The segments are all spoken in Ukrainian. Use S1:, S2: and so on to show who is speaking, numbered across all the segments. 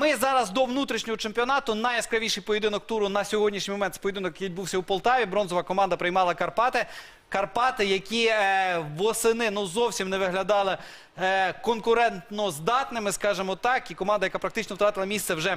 S1: ми зараз до внутрішнього чемпіонату. Найяскравіший поєдинок туру на сьогоднішній момент. Це поєдинок, який відбувся у Полтаві. Бронзова команда приймала Карпати. Карпати, які восени зовсім не виглядали конкурентно здатними, скажімо так. І команда, яка практично втратила місце вже,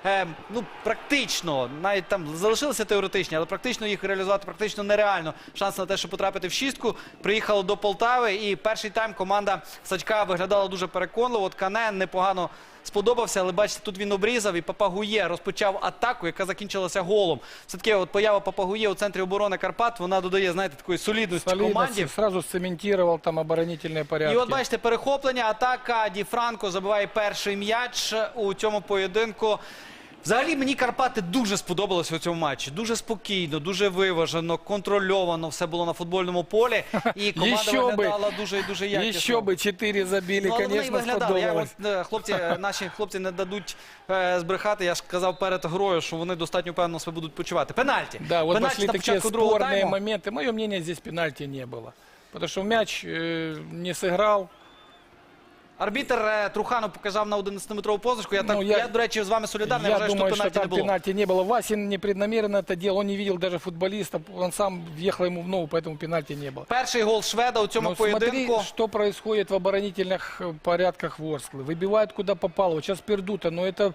S1: практично, навіть там залишилися теоретичні, але практично їх реалізувати практично нереально. Шанс на те, щоб потрапити в шістку. Приїхало до Полтави і перший тайм команда Сачка виглядала дуже переконливо. От Кане непогано сподобався, але бачите, тут він обрізав і Папагує розпочав атаку, яка закінчилася голом. Все-таки от поява Папагує у центрі оборони Карпат, вона додає, знаєте, такої солідності команді.
S2: Сразу цементував там оборонительні порядки.
S1: І от бачите, перехоплення, атака, Ді Франко забиває перший м'яч у цьому поєдинку. Взагалі, мені Карпати дуже сподобалося у цьому матчі. Дуже спокійно, дуже виважено, контрольовано все було на футбольному полі. І команда виглядала дуже і дуже якісно.
S2: Ще би 4 забили, звісно, сподобалось.
S1: Наші хлопці не дадуть збрехати. Я ж казав перед грою, що вони достатньо впевнено себе будуть почувати. Пенальті.
S2: Да, вот
S1: Пенальті
S2: пошли
S1: на
S2: такие
S1: початку другого
S2: спорные
S1: тайму.
S2: моменты. Мое мнение, здесь пенальти не было. Потому что мяч не сыграл.
S1: Арбітр Труханов показав на 11-метрову позначку. Я, до речі, з вами солідарний.
S2: Я
S1: вважаю,
S2: думаю,
S1: що
S2: что
S1: пенальті не
S2: там
S1: було.
S2: пенальти не было. Васин непреднамеренно это делал. Он не видел даже футболиста. Он сам въехал ему в ногу, поэтому пенальти не было.
S1: Перший гол шведа у цьому
S2: Но
S1: поєдинку.
S2: смотри, что происходит в оборонительных порядках Ворсклы. Выбивают куда попало. Вот сейчас Пердута, но это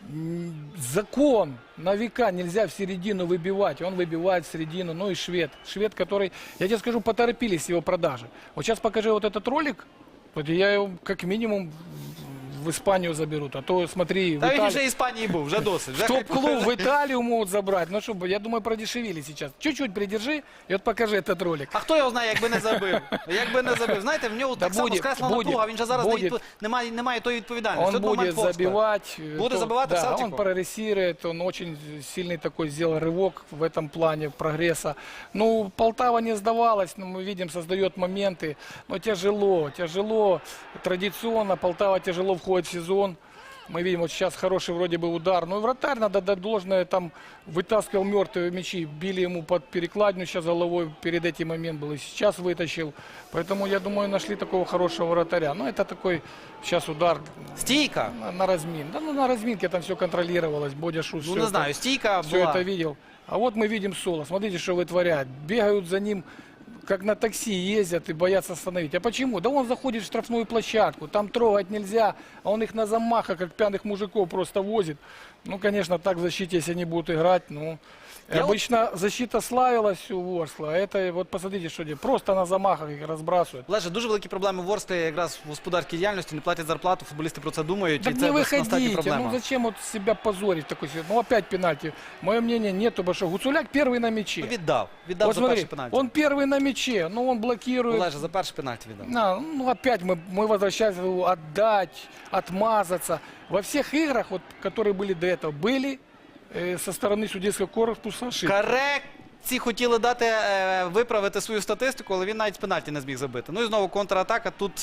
S2: закон на века. Нельзя в середину выбивать. Он выбивает в середину. Ну и швед. Швед, который, я тебе скажу, поторопились с его продажи. Вот сейчас покажи вот этот ролик. Вот я его как минимум в Испанию заберут, а то смотри, в
S1: Та він
S2: Италии...
S1: вже в Іспанії був, вже досить. Вже
S2: Топ-клуб в Италию могут забрать. Ну что, я думаю, продешевили сейчас. Чуть-чуть придержи и вот покажи этот ролик.
S1: А хто його знає, якби не забив? Якби не забив. Знаєте, в нього так само скресла напруга, він же зараз немає тої відповідальності.
S2: Он будет забивать.
S1: Буде забивати в
S2: Да,
S1: Селтику?
S2: он прогрессирует, он очень сильный такой сделал рывок в этом плане прогресса. Ну, Полтава не сдавалась, но мы видим, создает моменты. Но тяжело. Традиционно Полтава тяжело входит в сезон. Мы видим, вот сейчас хороший вроде бы удар. Ну и вратарь, надо дать должное, там вытаскивал мертвые мячи, били ему под перекладину, сейчас головой перед этим момент был, и сейчас вытащил. Поэтому, я думаю, нашли такого хорошего вратаря. Ну это такой сейчас удар.
S1: Стійка.
S2: На размин. Да, ну на разминке там все контролировалось. Бодя Шус
S1: Ну не знаю, стійка
S2: все
S1: була.
S2: это видел. А вот мы видим Соло. Смотрите, что вытворяет. Бегают за ним, как на такси ездят и боятся остановить. А почему? Да он заходит в штрафную площадку, там трогать нельзя, а он их на замахах, как пьяных мужиков, просто возит. Ну, конечно, так в защите, если они будут играть, ну... Обычно защита славилась у Ворскла, а это, вот посмотрите, что делают. Просто на замахах их разбрасывают.
S1: Олеже, дуже великі проблеми в Ворсклі якраз в господарській діяльності, не платять зарплату, футболісти про це думають.
S2: Так
S1: і
S2: не
S1: це достатньо
S2: выходите,
S1: проблема.
S2: ну зачем вот себя позорить в такой ситуации? Ну опять пенальти. Мое мнение нету, потому что Гуцуляк первый на мяче.
S1: Ну, віддав
S2: Вот
S1: за перший
S2: смотри,
S1: пенальті.
S2: он первый на мяче, но он блокирует.
S1: Олеже, за перший пенальті віддав.
S2: Ну опять мы возвращаемся, отдать, отмазаться. Во всех играх, вот, которые были до этого, были со стороны судейского корпуса ошибки.
S1: Корекції хотіли дати, виправити свою статистику, але він навіть з пенальті не зміг забити. Ну і знову контратака. Тут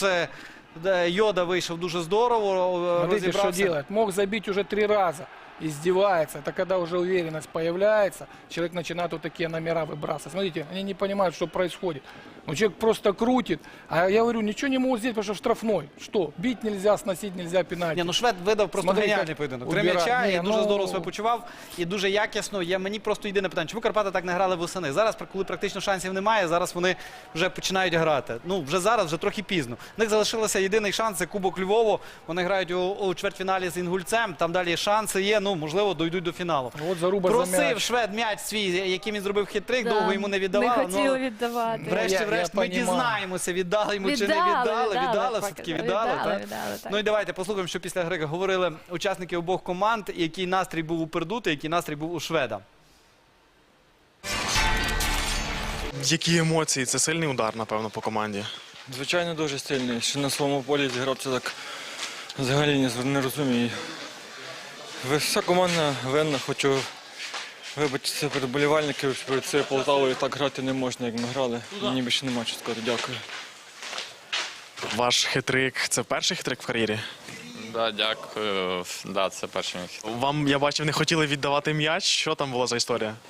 S1: Йода вийшов дуже здорово,
S2: Смотрите, что делает. Мог забить уже 3 раза. Издевается. Это когда уже уверенность появляется, человек начинает вот такие номера выбрасывать. Смотрите, они не понимают, что происходит. Ну, человек просто крутит. А я говорю, ничего не могут сделать, потому что штрафной. Что? Бить нельзя, сносить нельзя, пенальти.
S1: Ні, ну Швед видав просто
S2: Смотри,
S1: геніальний
S2: як
S1: поєдинок. 3
S2: убирає.
S1: м'яча,
S2: Ні,
S1: і дуже
S2: ну...
S1: здорово себе почував, і дуже якісно. Мені просто єдине питання, чому Карпати так не грали восени? Зараз, коли практично шансів немає, зараз вони вже починають грати. Ну, вже зараз, вже трохи пізно. У них залишилося єдиний шанс, це Кубок Львову. Вони грають у чвертьфіналі з Інгульцем, там далі шанси є, ну, можливо, дойдуть до фіналу.
S2: От заруба
S1: Просив Швед м'яч свій, яким він зробив хитрик, довго йому не віддавали.
S3: Не хотіли віддавати.
S1: Врешті-решт ми дізнаємося, віддали йому чи не віддали. Віддали, все-таки віддали. Ну і давайте послухаємо, що після гри говорили учасники обох команд, який настрій був у Пердути, який настрій був у Шведа.
S4: Які емоції? Це сильний удар, напевно, по команді.
S5: Звичайно, дуже сильний. Що на своєму полі зігрався так взагалі не розумію. Вся команда винна, хочу вибачитися перед болівальників, перед цією Полтавою так грати не можна, як ми грали. Мені більше нема що сказати. Дякую.
S4: Ваш хитрик – це перший хитрик в кар'єрі?
S6: Да, дякую. Да, це перший мій хід.
S4: Вам, я бачив, не хотіли віддавати м'яч. Що там була за історія?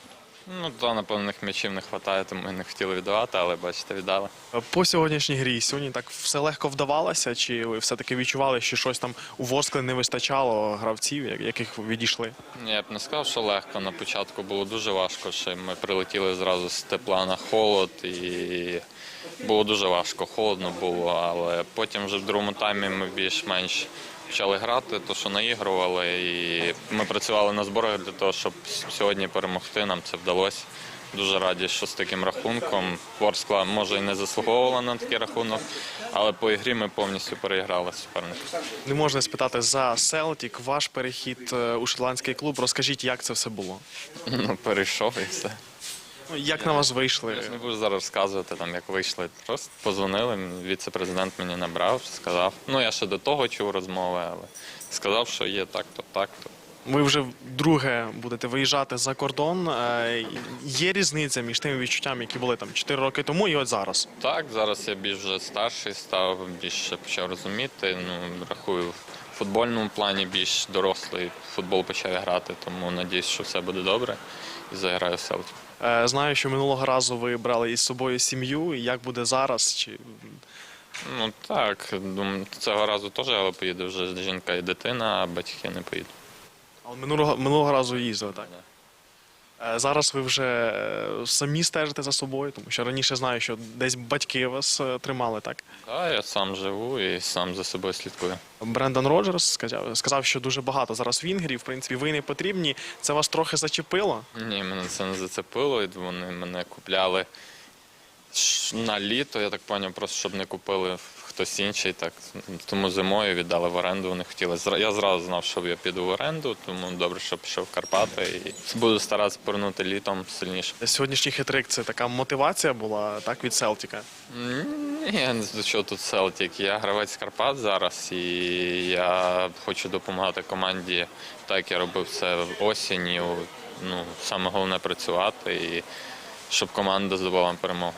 S3: Ну, то, напевно, м'ячів не вистачає, тому і не хотіли віддавати, але бачите, віддали.
S4: По сьогоднішній грі сьогодні так все легко вдавалося, чи ви все-таки відчували, що щось там у Ворскли не вистачало гравців, яких відійшли?
S3: Я б не сказав, що легко. На початку було дуже важко, що ми прилетіли зразу з тепла на холод і було дуже важко, холодно було, але потім вже в другому таймі ми більш-менш почали грати, то що наігрували, і ми працювали на зборах для того, щоб сьогодні перемогти, нам це вдалося. Дуже раді, що з таким рахунком. Ворскла, може, і не заслуговувала на такий рахунок, але по ігрі ми повністю переіграли суперника.
S4: Не можна спитати за Селтік, ваш перехід у шотландський клуб. Розкажіть, як це все було?
S3: Ну, перейшов і все.
S4: Ну, як на вас вийшли?
S3: Я ж не буду зараз розказувати, там, як вийшли. Просто позвонили, віце-президент мені набрав, сказав. Ну, я ще до того чув розмови, але сказав, що є так-то, так-то.
S4: Ви вже вдруге будете виїжджати за кордон. Є різниця між тими відчуттями, які були там 4 роки тому і от зараз?
S3: Так, зараз я більш вже старший став, більше почав розуміти. Ну, рахую, в футбольному плані більш дорослий футбол почав грати, тому надіюсь, що все буде добре і заграю в Селтік.
S4: Знаю, що минулого разу ви брали із собою сім'ю. Як буде зараз? Чи...
S3: Ну так, думаю, цього разу теж, але поїде вже жінка і дитина, а батьки не поїдуть.
S4: Але минулого разу їздили, так? Зараз ви вже самі стежите за собою, тому що раніше знаю, що десь батьки вас тримали, так?
S3: Так, я сам живу і сам за собою слідкую.
S4: Брендан Роджерс сказав, що дуже багато зараз вінгерів, в принципі, ви не потрібні. Це вас трохи зачепило?
S3: Ні, мене це не зацепило, і вони мене купляли на літо, я так зрозумів, просто щоб не купили хтось інший. Так. Тому зимою віддали в оренду, вони хотіли. Я зразу знав, що я піду в оренду, тому добре, що пішов в Карпати. І буду старатися повернути літом сильніше.
S4: Сьогоднішній хитрик – це така мотивація була, так, від Селтіка?
S3: Ні, до чого тут Селтік. Я гравець Карпат зараз, і я хочу допомагати команді, так як я робив це осінню. Ну, саме головне працювати, і щоб команда здобула перемогу.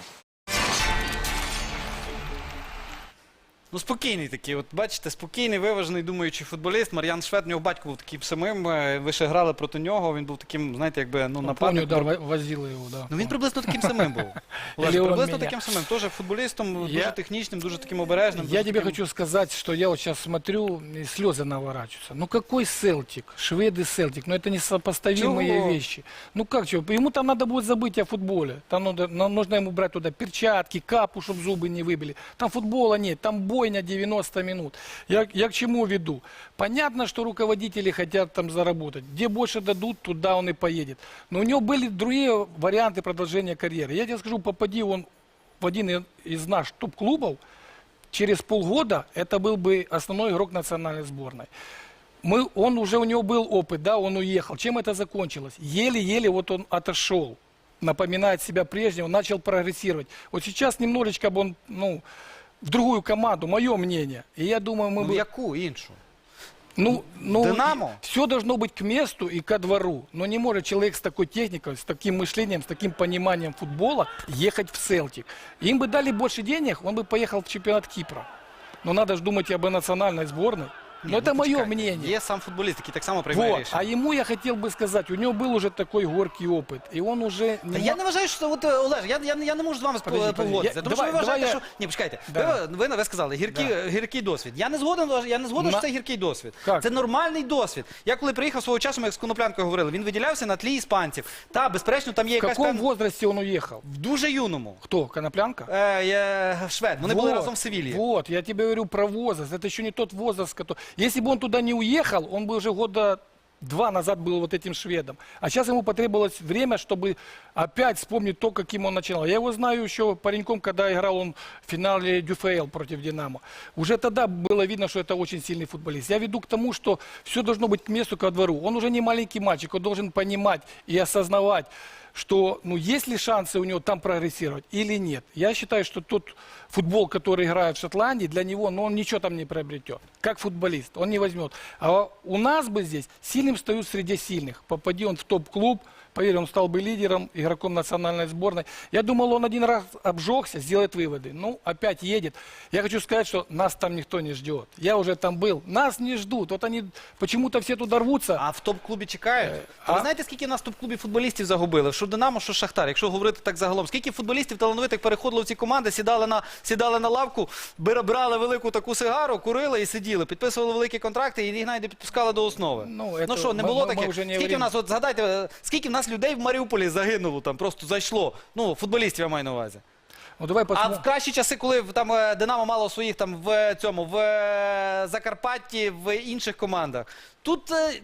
S1: Ну, спокійний такий, от бачите, спокійний, виважений, думаючий футболіст. Мар'ян Швед, у нього батько був таким самим, ви ще грали проти нього, він був таким, знаєте, якби, ну,
S2: Помню,
S1: нападник.
S2: да, возил его, да.
S1: Ну, він приблизно таким самим був. Олеж,
S2: Или он
S1: приблизно
S2: меня.
S1: таким самим, теж футболістом,
S2: Я-
S1: дуже технічним, дуже таким обережним.
S2: Я
S1: дуже
S2: тебе
S1: таким-
S2: хочу сказать, что я вот сейчас смотрю, и слезы наворачиваются. Ну какой Селтик? Шведы Селтик. Ну это несопоставимые
S1: Чего?
S2: вещи. Ну как чего? Ему там надо будет забыть о футболе. Там нужно ему брать туда перчатки, капу, чтобы зубы не выбили. Там футбола нет, там бойня 90 минут. Я к чему веду? Понятно, что руководители хотят там заработать. Где больше дадут, туда он и поедет. Но у него были другие варианты продолжения карьеры. Я тебе скажу, попади он в один из наших топ-клубов, через полгода это был бы основной игрок национальной сборной. У него был опыт, да, он уехал. Чем это закончилось? Еле-еле вот он отошел, напоминает себя прежнего, начал прогрессировать. Вот сейчас немножечко бы он, ну, в другую команду, мое мнение. И я думаю, мы
S1: Ну, в
S2: бы...
S1: яку іншу?
S2: Ну,
S1: Динамо?
S2: все должно быть к месту и ко двору. Но не может человек с такой техникой, с таким мышлением, с таким пониманием футбола ехать в Селтик. Им бы дали больше денег, он бы поехал в чемпионат Кипра. Но надо же думать и об национальной сборной.
S1: Ні,
S2: Но это
S1: ну,
S2: мое
S1: почекайте,
S2: мнение.
S1: Є сам футболіст, який так само приймає
S2: Вот.
S1: рішення.
S2: А ему я хотел бы сказать, у него был уже такой горький опыт. И он уже...
S1: Та я не вважаю, що от, Олеж, я не можу з вами
S2: Подожди,
S1: погодитися.
S2: подожди.
S1: Тому що ви
S2: Давай
S1: вважаєте,
S2: я-
S1: що... Ні, почекайте.
S2: Да.
S1: Ви сказали, гіркий досвід. Я не згоден, що це гіркий досвід.
S2: Как?
S1: Це нормальний досвід. Я коли приїхав свого часу, ми як з Коноплянкою говорили, він виділявся на тлі іспанців. Та, безперечно, там є
S2: В
S1: якась
S2: каком
S1: певна...
S2: возрасте он уехал?
S1: В дуже юному.
S2: Кто? Коноплянка?
S1: Швед. Вони були разом в Севілії.
S2: Вот, я тебе говорю про возраст. Это еще не тот возраст, который... Если бы он туда не уехал, он бы уже года 2 назад был вот этим шведом. А сейчас ему потребовалось время, чтобы опять вспомнить то, каким он начинал. Я его знаю еще пареньком, когда играл он в финале ДЮФЛ против Динамо. Уже тогда было видно, что это очень сильный футболист. Я веду к тому, что все должно быть к месту, ко двору. Он уже не маленький мальчик, он должен понимать и осознавать, что, ну, есть ли шансы у него там прогрессировать или нет. Я считаю, что тот футбол, который играет в Шотландии, для него, ну, он ничего там не приобретет. Как футболист, он не возьмет. А у нас бы здесь сильным встают среди сильных. Попади он в топ-клуб, Поверь, он стал бы лидером, игроком национальной сборной. Я думал, он один раз обжегся, сделает выводы. Ну, опять едет. Я хочу сказать, что нас там никто не ждет. Я уже там был. Нас не ждут. Вот они почему-то все туда рвутся.
S1: А в топ-клубі чекають. А ви знаєте, скільки в нас в топ-клубі футболістів загубили? Що Динамо, що Шахтар, якщо говорити так загалом. Скільки футболістів талановитих переходило в ці команди, сідали на лавку, брали велику таку сигару, курили і сиділи, підписували великі контракти і їх навіть не підпускали до основи.
S2: Ну,
S1: Що, не було таке?
S2: вже не
S1: Скільки в нас, от згадайте, скільки в нас людей в Маріуполі загинуло, там просто зайшло. Ну, футболістів я маю на увазі.
S2: Ну, давай
S1: А
S2: посмотрим.
S1: в кращі часи, коли там Динамо мало своїх там в Закарпатті, в інших командах. Тут,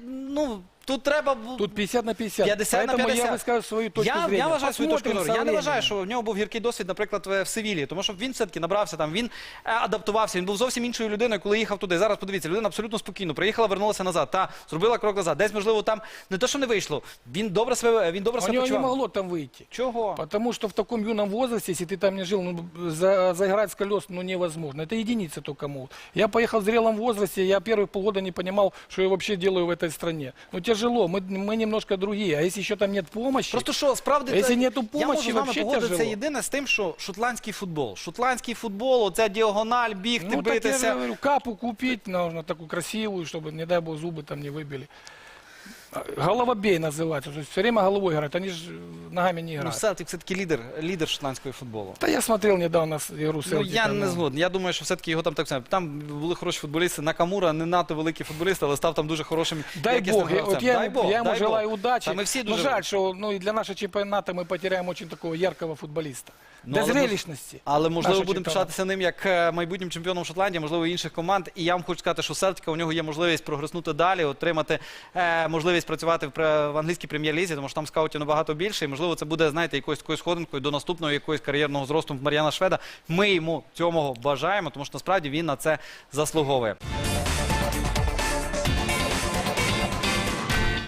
S1: тут треба...
S2: Тут 50 на 50.
S1: 50 на
S2: Поэтому
S1: 50.
S2: я высказываю свою точку зрения.
S1: Я вважаю свою точку
S2: Посмотрим
S1: зору.
S2: со
S1: Я не вважаю,
S2: временем.
S1: що в нього був гіркий досвід, наприклад, в Севілії. Тому що він все-таки набрався там, він адаптувався, він був зовсім іншою людиною, коли їхав туди. Зараз подивіться, людина абсолютно спокійно приїхала, вернулася назад. Та зробила крок назад. Десь, можливо, там не те, що не вийшло. Він добре себе
S2: У него не
S1: почував.
S2: могло там выйти.
S1: Чого?
S2: Потому что в таком юном возрасте, если ты там не жил, заиграть с колес невозможно. Это единицы только могут. Я поехал в зрелом возрасте, я первые полгода не понимал, что я вообще делаю в этой стране. Ну тяжело, мы немножко другие. А если еще там нет помощи,
S1: Просто що, справді,
S2: Якщо нету
S1: я
S2: помощі,
S1: можу з вами
S2: вообще
S1: погодитися
S2: тяжело.
S1: єдине з тим, що шотландський футбол. Шотландський футбол, оця діагональ, бігти,
S2: ну так я же
S1: битися.
S2: говорю, капу купить нужно такую красивую, чтобы, не дай бог, зубы там не выбили. Головобей называется. То есть все время головой играют, они же ногами не
S1: Ну,
S2: играют.
S1: Селтик все-таки лідер шотландського футболу.
S2: Да я смотрел недавно игру
S1: Ну,
S2: Селтика.
S1: я не згоден. Я думаю, що все-таки його там так само. Там були хороші футболісти. Накамура не надто великий футболіст, але став там дуже хорошим.
S2: Дай
S1: якісним
S2: Бог,
S1: гравцем.
S2: вот я ему
S1: дай
S2: желаю
S1: Бог.
S2: удачи.
S1: Та ми всі
S2: Но
S1: дуже
S2: жаль, что и для нашего чемпионата мы потеряем очень такого яркого футболиста.
S1: Ну,
S2: До
S1: але
S2: зрелищности.
S1: Але можливо
S2: нашого
S1: будемо
S2: чемпіонату.
S1: пишатися ним як майбутнім чемпіоном Шотландії, можливо, і інших команд. І я вам хочу сказати, що Селтика у нього є можливість прогреснути далі, отримати можливість працювати в англійській прем'єр-лізі, тому що там скаутів набагато більше. І можливо, це буде, знаєте, якоюсь такою сходинкою до наступного якогось кар'єрного зросту Мар'яна Шведа. Ми йому цього бажаємо, тому що насправді він на це заслуговує.